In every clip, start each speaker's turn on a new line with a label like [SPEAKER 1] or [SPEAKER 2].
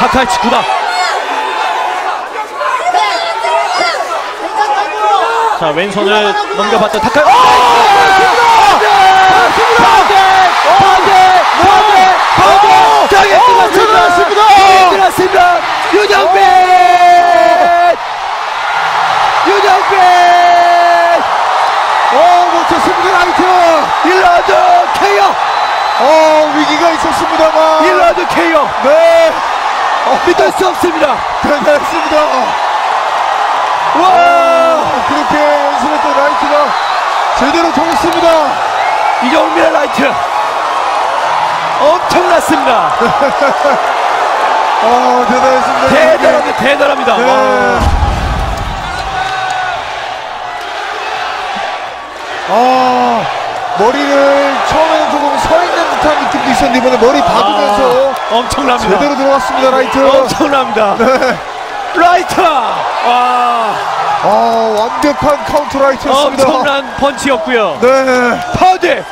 [SPEAKER 1] 타카의 직구다. 자, 왼손을 넘겨봤던 타카. 끝났습니다. 윤영빈!
[SPEAKER 2] 놓쳤습니다. 라이트
[SPEAKER 1] 1라운드 KO!
[SPEAKER 2] 위기가 있었습니다만
[SPEAKER 1] 1라운드 KO!
[SPEAKER 2] 네,
[SPEAKER 1] 믿을 수 없습니다.
[SPEAKER 2] 대단했습니다.
[SPEAKER 1] 와!
[SPEAKER 2] 그렇게 연습했던 라이트가 제대로 통했습니다.
[SPEAKER 1] 이경민의 라이트 엄청났습니다.
[SPEAKER 2] 대단했습니다.
[SPEAKER 1] 대단합니다.
[SPEAKER 2] 네. 머리를 처음에는 조금 서 있는 듯한 느낌도 있었는데 이번에 머리 박으면서
[SPEAKER 1] 엄청납니다.
[SPEAKER 2] 제대로 들어갔습니다. 라이트.
[SPEAKER 1] 엄청납니다.
[SPEAKER 2] 네.
[SPEAKER 1] 라이트!
[SPEAKER 2] 완벽한 카운터 라이트였습니다.
[SPEAKER 1] 엄청난 펀치였고요.
[SPEAKER 2] 네.
[SPEAKER 1] 파우드!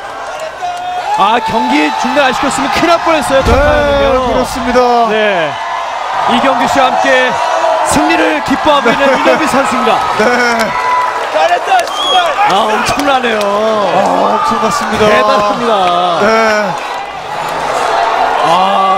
[SPEAKER 1] 경기 중단 안 시켰으면 큰일 날 뻔했어요.
[SPEAKER 2] 네, 그렇습니다.
[SPEAKER 1] 네. 이경규 씨와 함께 승리를 기뻐하고 있는 윤영빈 선수입니다.
[SPEAKER 2] 네.
[SPEAKER 1] 잘했다, 정말! 엄청나네요.
[SPEAKER 2] 엄청났습니다.
[SPEAKER 1] 대단합니다.
[SPEAKER 2] 네.